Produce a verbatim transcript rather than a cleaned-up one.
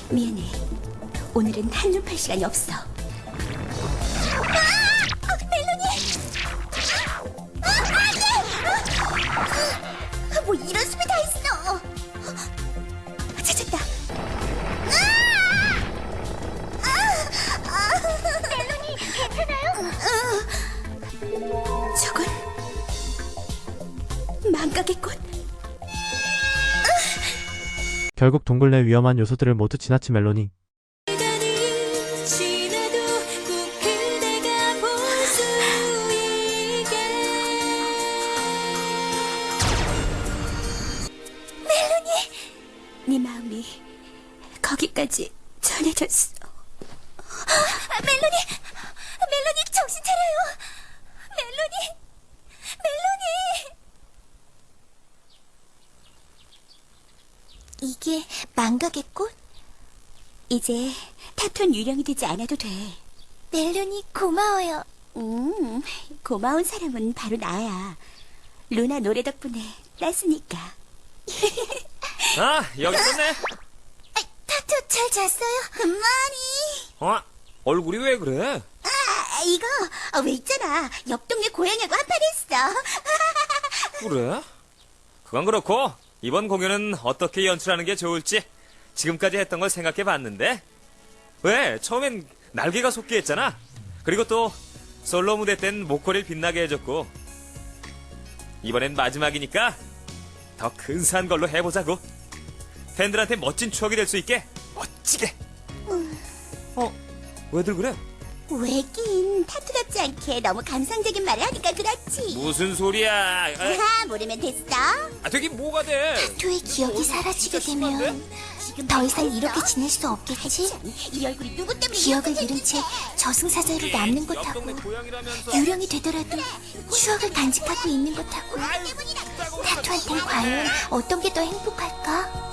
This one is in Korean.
미안해. 오늘은 한눈 팔 시간이 없어. 아! 아, 멜로니! 아, 안 돼! 아, 뭐 이런 숲이 다 있어. 찾았다. 아! 아! 멜로니, 괜찮아요? 저건 망각의 꽃. 결국 동굴 내 위험한 요소들을 모두 지나친 멜로니. 네 마음이 거기까지 전해졌어. 아, 멜로니! 멜로니 정신 차려요! 멜로니! 멜로니! 이게 망각의 꽃? 이제 타투는 유령이 되지 않아도 돼. 멜로니 고마워요. 음, 고마운 사람은 바로 나야. 루나 노래 덕분에 땄으니까. 아, 여기 있었네. 타투 잘 잤어요? 많이. 어? 얼굴이 왜 그래? 아, 이거 어, 왜 있잖아. 옆 동네 고양이하고 한판 했어. 그래? 그건 그렇고 이번 공연은 어떻게 연출하는 게 좋을지 지금까지 했던 걸 생각해 봤는데 왜 처음엔 날개가 솟게 했잖아. 그리고 또 솔로 무대 땐 목걸이를 빛나게 해줬고 이번엔 마지막이니까 더 근사한 걸로 해보자고. 팬들한테 멋진 추억이 될 수 있게 멋지게. 어? 왜들 그래? 왜긴 타투 같지 않게 너무 감상적인 말을 하니까 그렇지. 무슨 소리야? 아, 아, 모르면 됐어. 아, 되긴 뭐가 돼? 타투의 기억이 사라지게 되면 지금 더 이상 이렇게 지낼 수 없겠지? 이 얼굴이 누구 때문에 기억을 이렇게 잃은 채 저승사자로 남는 옆 것하고 동네 고양이라면서. 유령이 되더라도 추억을 간직하고 있는 것하고 타투한텐 과연 어떤 게 더 행복할까?